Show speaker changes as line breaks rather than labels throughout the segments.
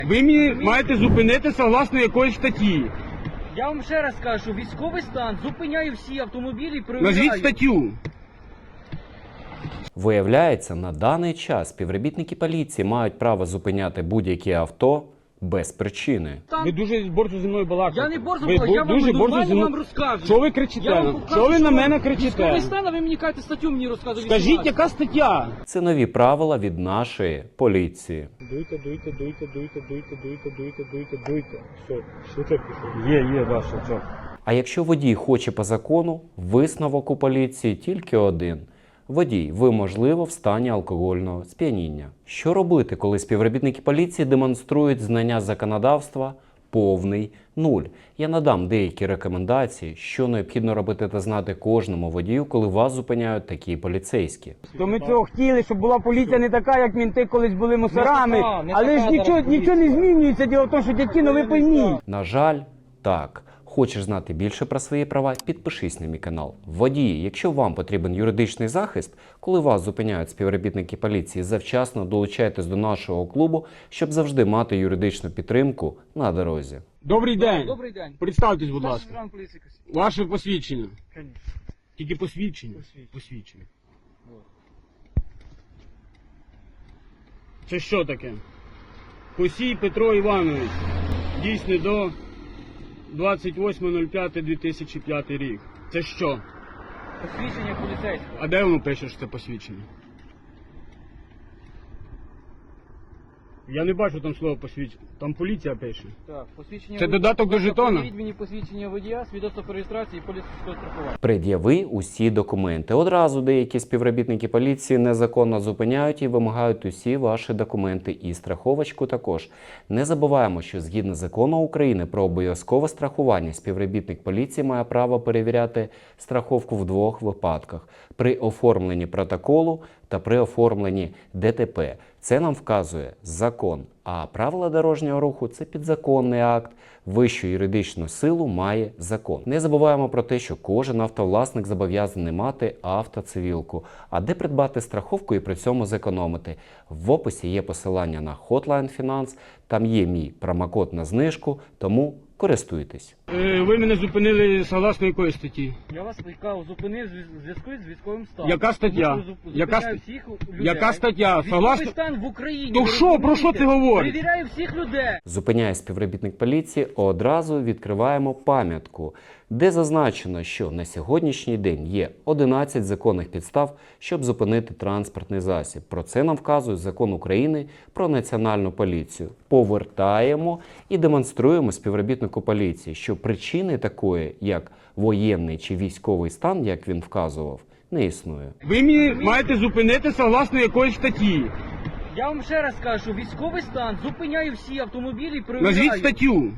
Ви мені маєте зупинити согласно якоїсь статті.
Я вам ще раз кажу, що військовий стан зупиняє всі автомобілі і перевіряє.
Назвіть статтю.
Виявляється, на даний час співробітники поліції мають право зупиняти будь-які авто без причини.
Ви дуже борзо зі мною балакаєте.
Я не борзо
Ви
балакаю, я вам
дуже борзо
нормально
зі мною-
вам розказую.
Що ви кричите?
Я вам покажу,
Що ви на мене
Військовий
кричите?
стан, а ви мені кажете статтю мені розказуєте.
Скажіть, яка стаття?
Це нові правила від нашої поліції.
Дуйте. Все, швидко пішов. Є, да, все.
А якщо водій хоче по закону, висновок у поліції тільки один. Водій, ви, можливо, в стані алкогольного сп'яніння. Що робити, коли співробітники поліції демонструють знання законодавства повний нуль? Я надам деякі рекомендації, що необхідно робити та знати кожному водію, коли вас зупиняють такі поліцейські.
То ми цього хотіли, щоб була поліція не така, як мінти колись були мусорами.
Не
Але
така
ж нічого не змінюється. Діло в тому, що дядьки, ви пойміть.
На жаль, так. Хочеш знати більше про свої права? Підпишись на мій канал. Водії, якщо вам потрібен юридичний захист, коли вас зупиняють співробітники поліції, завчасно долучайтесь до нашого клубу, щоб завжди мати юридичну підтримку на дорозі.
Добрий день.
Добрий день.
Представтесь, будь
Старший
ласка.
сержант поліції Косів.
Ваше посвідчення.
Конечно.
Тільки посвідчення.
Посвідчення.
Це що таке? Косій Петро Іванович. Дійсний до 28.05.2005 рік. Це що?
Посвідчення поліцейського.
А де воно пише, що це посвідчення? Я не бачу там слово посвідчення. Там поліція пише.
Так, посвідчення.
Це додаток до жетона?
Пред'явіть мені посвідчення водія, свідоцтво про реєстрацію і поліцейського страхування.
Пред'яви усі документи. Одразу деякі співробітники поліції незаконно зупиняють і вимагають усі ваші документи і страховочку також. Не забуваємо, що згідно закону України про обов'язкове страхування, співробітник поліції має право перевіряти страховку в двох випадках: при оформленні протоколу та при оформленні ДТП. Це нам вказує закон, а правила дорожнього руху – це підзаконний акт. Вищу юридичну силу має закон. Не забуваємо про те, що кожен автовласник зобов'язаний мати автоцивілку. А де придбати страховку і при цьому зекономити? В описі є посилання на Hotline Finance, там є мій промокод на знижку, тому користуйтесь.
Ви мене зупинили согласно якої статті?
Я вас зупинив в зв'язку з військовим станом.
Яка стаття?
Тому що
Яка
зупиняю
ст-
всіх людей.
Яка стаття?
Військовий
Согласно...
стан в Україні.
То
ви
що? Про що
розумієте?
ти говориш?
Перевіряю всіх людей.
Зупиняє співробітник поліції, одразу відкриваємо пам'ятку, де зазначено, що на сьогоднішній день є 11 законних підстав, щоб зупинити транспортний засіб. Про це нам вказує Закон України про Національну поліцію. Повертаємо і демонструємо співробітнику поліції, що причини такої, як воєнний чи військовий стан, як він вказував, не існує.
Ви мені маєте зупинити согласно якоїсь статті.
Я вам ще раз кажу, що військовий стан зупиняє всі автомобілі і перевіряє.
Назвіть статтю.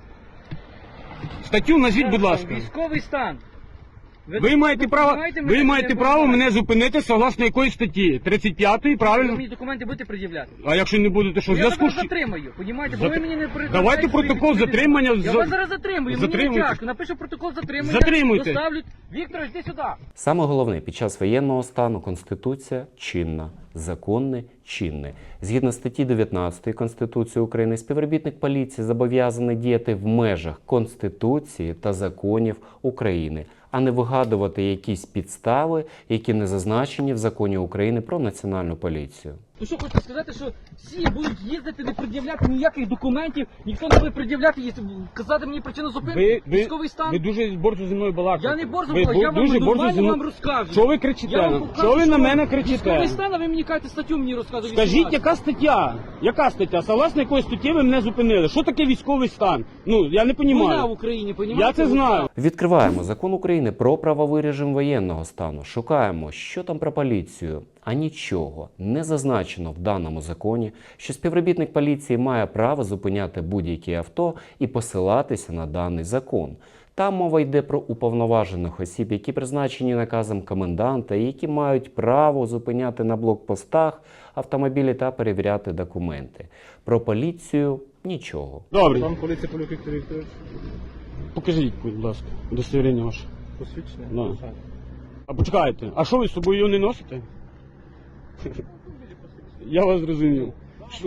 Статтю назвіть, будь ласка.
Військовий стан.
Ви маєте право
мене
мене зупинити согласно якоїсь статті. 35-ї,
Ви
правильно?
мені документи будете пред'являти?
А якщо не будете, що в
Я
зв'язку
вас
з...
затримаю, понімаєте? Бо ви мені не передаєте
Давайте
свої
протокол
відповіді.
затримання.
Я вас зараз затримую, мені не
Затримуйте.
тяжко. Напишу протокол затримання,
Затримуйте.
доставлять. Віктор, йди сюди.
Саме головне, під час воєнного стану Конституція чинна, законне чинне. Згідно статті 19 Конституції України, співробітник поліції зобов'язаний діяти в межах Конституції та законів України, а не вигадувати якісь підстави, які не зазначені в Законі України про Національну поліцію.
Ну що хочете сказати, що всі будуть їздити, не пред'являти ніяких документів, ніхто не буде пред'являти, казати мені причину зупинки, військовий стан.
Ви дуже борзо зі мною балакаєте.
Я не борзо
Ви
балакаю, я вам
дуже борзо
нормально
зі мною-
вам розказую.
Що ви кричите?
Я вам покажу,
Що ви на мене
Військовий
кричите?
стан, а ви мені кажете статтю мені розказуєте.
Скажіть, яка стаття? Яка стаття? Согласно якої статті ви мене зупинили? Що таке військовий стан? Ну, я не
Війна в
розумію.
Україні, понімаєте?
Я це знаю.
Відкриваємо Закон України про правовий режим воєнного стану. Шукаємо, що там про поліцію. А нічого не зазначено в даному законі, що співробітник поліції має право зупиняти будь-які авто і посилатися на даний закон. Там мова йде про уповноважених осіб, які призначені наказом коменданта і які мають право зупиняти на блокпостах автомобілі та перевіряти документи. Про поліцію – нічого.
Добре.
Пан поліція Полюк Віктор Вікторович.
Покажіть, будь ласка, удостоверення ваше.
Посвідчення?
Да. А почекайте, а що ви з собою його не носите? Я вас зрозумів. Що?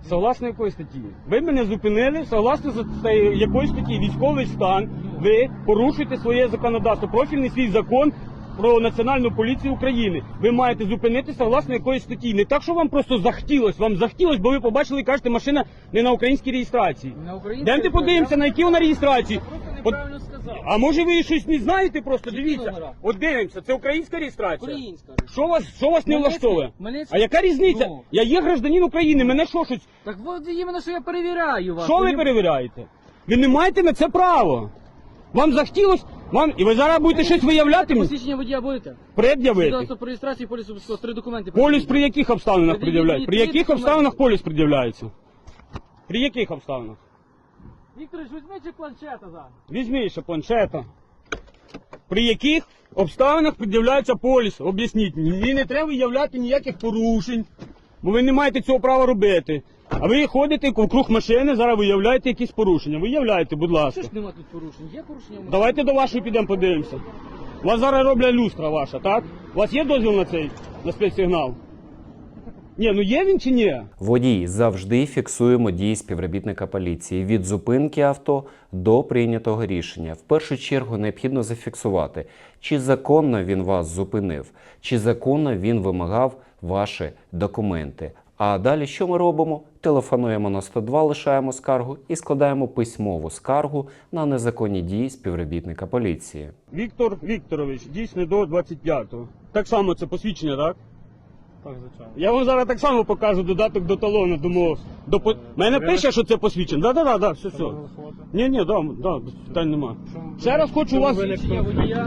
Согласно якої статті? Ви мене зупинили, согласно якої статті? Військовий стан. Ви порушуєте своє законодавство, профільний свій закон про Національну поліцію України. Ви маєте зупинитися согласно якоїсь статті. Не так, що вам просто захотілось. Вам захотілось, бо ви побачили і кажете, машина не на українській реєстрації.
На українській
Демте подивимося, на якій вона реєстрації.
Просто неправильно сказав.
А може ви щось не знаєте просто?
Які
Дивіться.
номера?
От дивимося, це українська реєстрація.
Українська.
Що вас не влаштовує? А яка різниця?
Ну.
Я є гражданин України, мене що щось.
Так от іменно, що я перевіряю вас.
Що ви перевіряєте? Ви не маєте на це право. Вам захотілось, і ви зараз будете щось виявляти мені?
Посвідчення водія будете?
Пред'явити.
Свідоцтво про реєстрацію, поліс обов'язково, 3 документи.
Поліс при яких обставинах пред'являється? При яких
документи.
обставинах поліс пред'являється? При яких обставинах?
Вікторович, візьміть чи планшета зараз.
Візьми ще планшета. При яких обставинах пред'являється поліс? Об'ясніть мені. Мені не треба виявляти ніяких порушень, бо ви не маєте цього права робити. А ви ходите вокруг машини, зараз виявляєте якісь порушення. Виявляйте, будь ласка.
Що ж нема тут порушень? Є порушення?
Давайте до вашої підемо подивимося. У вас зараз роблять люстра ваша, так? У вас є дозвіл на цей, на спецсигнал? Ні, ну є він чи ні?
Водії, завжди фіксуємо дії співробітника поліції від зупинки авто до прийнятого рішення. В першу чергу необхідно зафіксувати, чи законно він вас зупинив, чи законно він вимагав ваші документи. А далі що ми робимо? Телефонуємо на 102, лишаємо скаргу і складаємо письмову скаргу на незаконні дії співробітника поліції.
Віктор Вікторович, дійсно до 25-го. Так само це посвідчення, так?
Так, звичайно.
Я вам зараз так само покажу додаток до талону, думаю, мене пише, що це посвідчення. Да, все. Ні, да, питань нема. Ще раз хочу вас,
Посвідчення водія.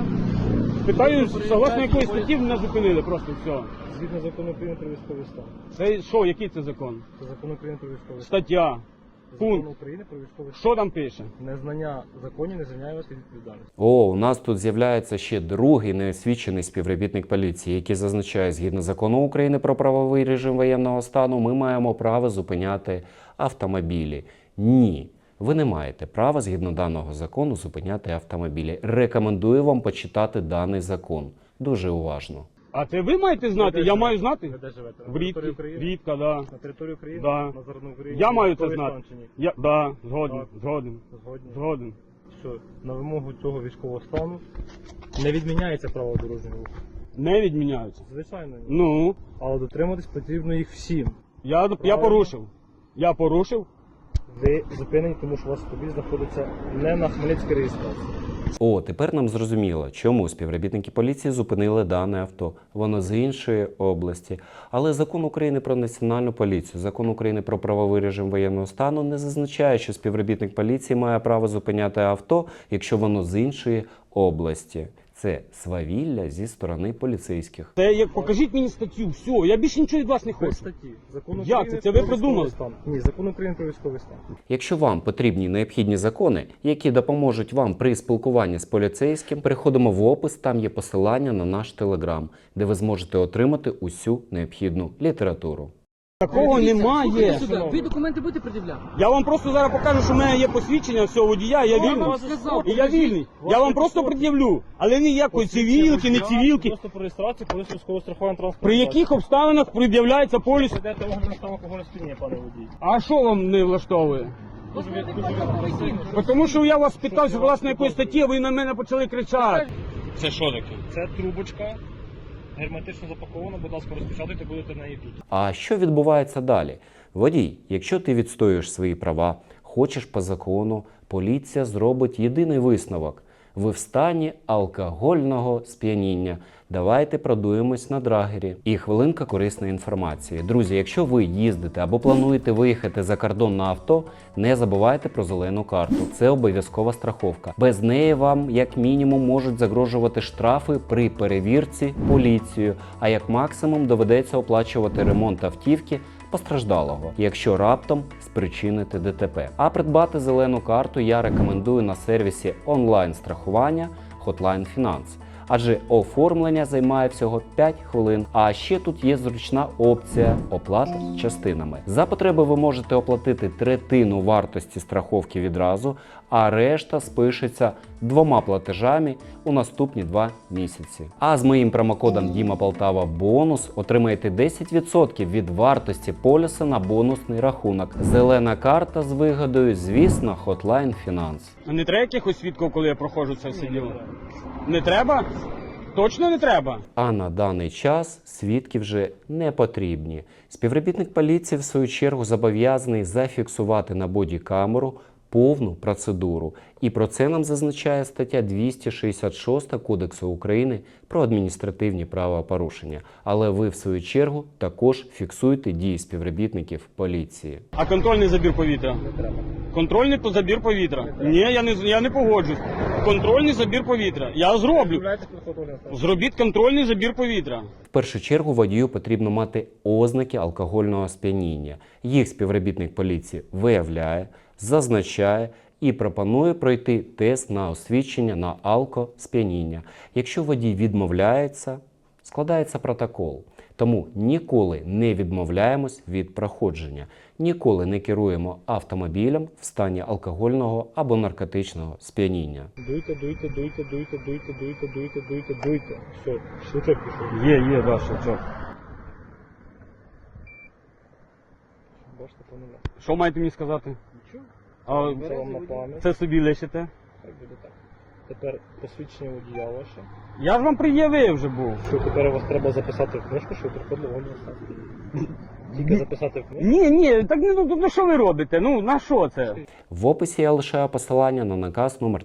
питаю, согласно якої статті мене зупинили, просто все.
Згідно закону України про військовий стан.
Це що, який це закон?
Це закон України про військовий стан.
Стаття,
Закон
пункт,
України про військовий стан.
що там пише?
Незнання законів не звільняє вас від відповідальності.
О, у нас тут з'являється ще другий неосвічений співробітник поліції, який зазначає, згідно закону України про правовий режим воєнного стану, ми маємо право зупиняти автомобілі. Ні. Ви не маєте права, згідно даного закону, зупиняти автомобілі. Рекомендую вам почитати даний закон. Дуже уважно.
А це ви маєте знати? Я маю знати?
Ви де живете? На
В Рідці,
території України?
Рідка, да.
На території України?
Да.
На Західній Україні?
Я маю це
Військовий
знати.
стан чи ні?
Згоден.
Згодні.
Згоден.
Що на вимогу цього військового стану не відміняється право дорожнього руху.
Не відміняються.
Звичайно. ні.
Ну,
Але дотримуватись потрібно їх всім.
я порушив. Я порушив.
Ви зупинені, тому що у вас автомобіль знаходиться не на Хмельницькій реєстрації.
О, тепер нам зрозуміло, чому співробітники поліції зупинили дане авто. Воно з іншої області. Але закон України про національну поліцію, закон України про правовий режим воєнного стану не зазначає, що співробітник поліції має право зупиняти авто, якщо воно з іншої області. Це свавілля зі сторони поліцейських.
Це як покажіть мені статтю, все, я більше нічого від вас не
Без
хочу.
статті. Закон
Як
України
це? Ви
про
придумали?
військовий стан. Ні, закон України про військовий стан.
Якщо вам потрібні необхідні закони, які допоможуть вам при спілкуванні з поліцейським, переходимо в опис, там є посилання на наш телеграм, де ви зможете отримати усю необхідну літературу.
Такого
Дивіться,
немає.
слухайте сюди. Ви документи будете пред'являти?
Я вам просто зараз покажу, що в мене є посвідчення всього водія, я
Я
вільний.
вам сказав,
І я вільний. Я вам просто пред'явлю. Але ніякої цивілки, не цивілки.
Просто про реєстрацію, поліс військового страхування транспорту.
При яких обставинах пред'являється поліс?
Йдете огляд на стан алкогольного сп'яніння, пане водій.
А що вам не влаштовує? Тому що я вас питався, власне, якої статті, а ви на мене почали кричати. Це що таке?
Це трубочка. Герметично запакована, будь ласка, розпечатайте, будете на її тут.
А що відбувається далі? Водій, якщо ти відстоюєш свої права, хочеш по закону, поліція зробить єдиний висновок. Ви в стані алкогольного сп'яніння. Давайте продуємось на драгері. І хвилинка корисної інформації. Друзі, якщо ви їздите або плануєте виїхати за кордон на авто, не забувайте про зелену карту. Це обов'язкова страховка. Без неї вам, як мінімум, можуть загрожувати штрафи при перевірці поліцією, а як максимум доведеться оплачувати ремонт автівки постраждалого, якщо раптом спричините ДТП. А придбати зелену карту я рекомендую на сервісі онлайн-страхування Hotline Finance. Адже оформлення займає всього 5 хвилин. А ще тут є зручна опція оплати частинами. За потреби ви можете оплатити третину вартості страховки відразу, а решта спишеться 2 платежами у наступні 2 місяці. А з моїм промокодом Діма Полтава бонус отримаєте 10% від вартості поліса на бонусний рахунок. Зелена карта з вигодою, звісно, Hotline Finance.
А не треба якихось свідків, коли я проходжу це все діло? Не треба? Точно не треба?
А на даний час свідки вже не потрібні. Співробітник поліції, в свою чергу, зобов'язаний зафіксувати на бодікамеру повну процедуру. І про це нам зазначає стаття 266 Кодексу України про адміністративні правопорушення. Але ви, в свою чергу, також фіксуйте дії співробітників поліції.
А контрольний забір повітря? Контрольний забір повітря? Ні, я не погоджусь. Контрольний забір повітря. Я зроблю. Зробіть контрольний забір повітря.
В першу чергу водію потрібно мати ознаки алкогольного сп'яніння. Їх співробітник поліції виявляє, зазначає і пропонує пройти тест на освідчення на алкосп'яніння. Якщо водій відмовляється, складається протокол. Тому ніколи не відмовляємось від проходження, ніколи не керуємо автомобілем в стані алкогольного або наркотичного сп'яніння.
Дуйте. Все, щелчок пішов.
Є, да, щелчок.
Бачите, по нуля.
Що маєте мені сказати?
Нічого.
А
Це вам на пам'ять.
це собі лишите?
Хай буде так. Тепер посвідчення водія ваше.
Я ж вам пред'явив вже був.
Що тепер вас треба записати в книжку, що приходило воно все. Тільки записати в книжку.
Ні, так ну що ви робите? Ну на що це?
В описі я лишаю посилання на наказ номер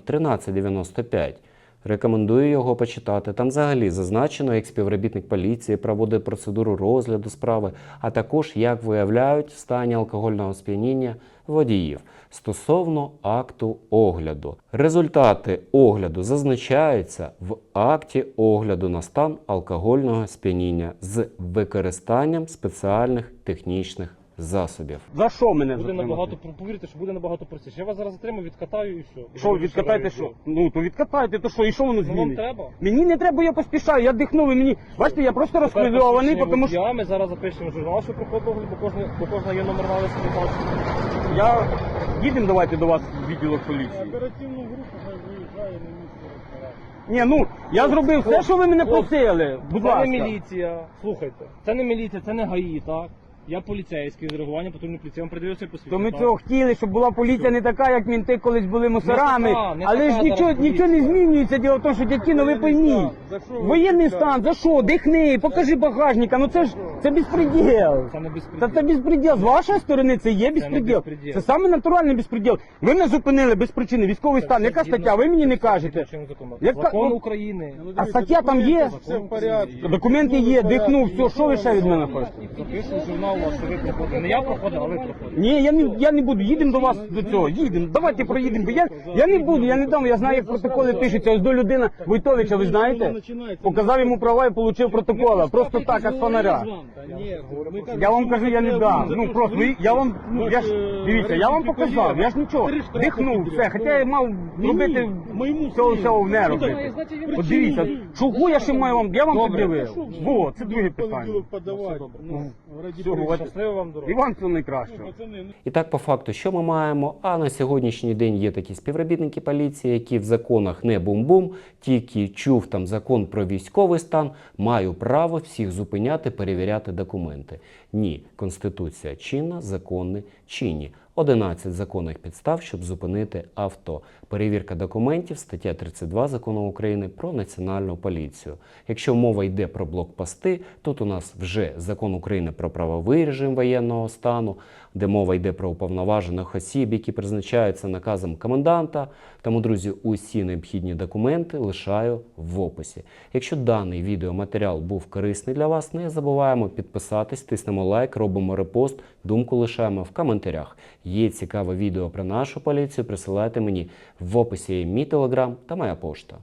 1395. Рекомендую його почитати. Там взагалі зазначено, як співробітник поліції проводить процедуру розгляду справи, а також як виявляють в стані алкогольного сп'яніння водіїв стосовно акту огляду. Результати огляду зазначаються в акті огляду на стан алкогольного сп'яніння з використанням спеціальних технічних засобів.
За що мене
Буде
затримати?
набагато, повірте, що буде набагато простіше. Я вас зараз затримаю, відкатаю і все.
Що, відкатайте що? Ну, то відкатайте, то що, і що воно
Ну вам
змінить?
треба?
Мені не треба, я поспішаю, я дихнув, і мені... Бачите, я просто розхвильований, тому що
Ми зараз запишемо журнал, що проходить огляд, бо кожна є номер налису не бачить.
я... Їдемо давайте до вас в відділок поліції.
Оперативну групу хай виїжджає на місце.
Ні, ну, я зробив все, що ви мене просили. Будь
Це
ласка.
не міліція. Слухайте, це не міліція, це не ГАІ, так? Я поліцейський з реагування патрульної поліції. Я вам придивився
То
посвідчення.
ми
так?
цього хотіли, щоб була поліція не така, як мінти колись були мусорами.
Не
Але
така
ж нічого,
зараз поліція.
нічого не змінюється. Діло в тому, що дядькіно, ви пойміть. Воєнний стан, за що? Дихни, покажи багажника. Ну це ж, це безпреділ.
Це не
Та
безпреділ.
це безпреділ. З вашої сторони це є безпреділ.
безпреділ.
Це саме натуральний безпреділ. Ви мене зупинили без причини. Військовий стан. Яка стаття? Ви мені не кажете. Яка-
Закон
ну,
України.
А стаття там є?
Все в порядку.
Документи є, дихнув, все, що ви ще від мене хочете?
Записую журнал ваш, що ви проходите. Не я проходив, а ви проходите.
Ні, я не буду. Їдемо до вас до цього. Їдемо. Давайте проїдемо. Бо я не буду, я не дам. Я знаю, як протоколи пишуться. Ось до людина Войтовича, ви знаєте? Показав йому права і отримав протокола. Просто так, як з фонаря. Я вам кажу, я не дам. Ну просто я вам, ну я ж дивіться, я вам показав. Я ж нічого. Дихнув все. Хоча я мав робити цього всього не робити. От дивіться, чого я ще маю вам? Я вам пред'явив. Во, це друге питання. Всього,
Щасливо вам дорога.
і вам всього найкращого.
І так, по факту, що ми маємо? А на сьогоднішній день є такі співробітники поліції, які в законах не бум-бум, тільки чув там закон про військовий стан, маю право всіх зупиняти, перевіряти документи. Ні, Конституція чинна, закони чинні. 11 законних підстав, щоб зупинити авто. Перевірка документів, стаття 32 Закону України про національну поліцію. Якщо мова йде про блокпости, тут у нас вже Закон України про правовий режим воєнного стану, де мова йде про уповноважених осіб, які призначаються наказом коменданта. Тому, друзі, усі необхідні документи лишаю в описі. Якщо даний відеоматеріал був корисний для вас, не забуваємо підписатись, тиснемо лайк, робимо репост, думку лишаємо в коментарях. Є цікаве відео про нашу поліцію, присилайте мені в описі є мій телеграм та моя пошта.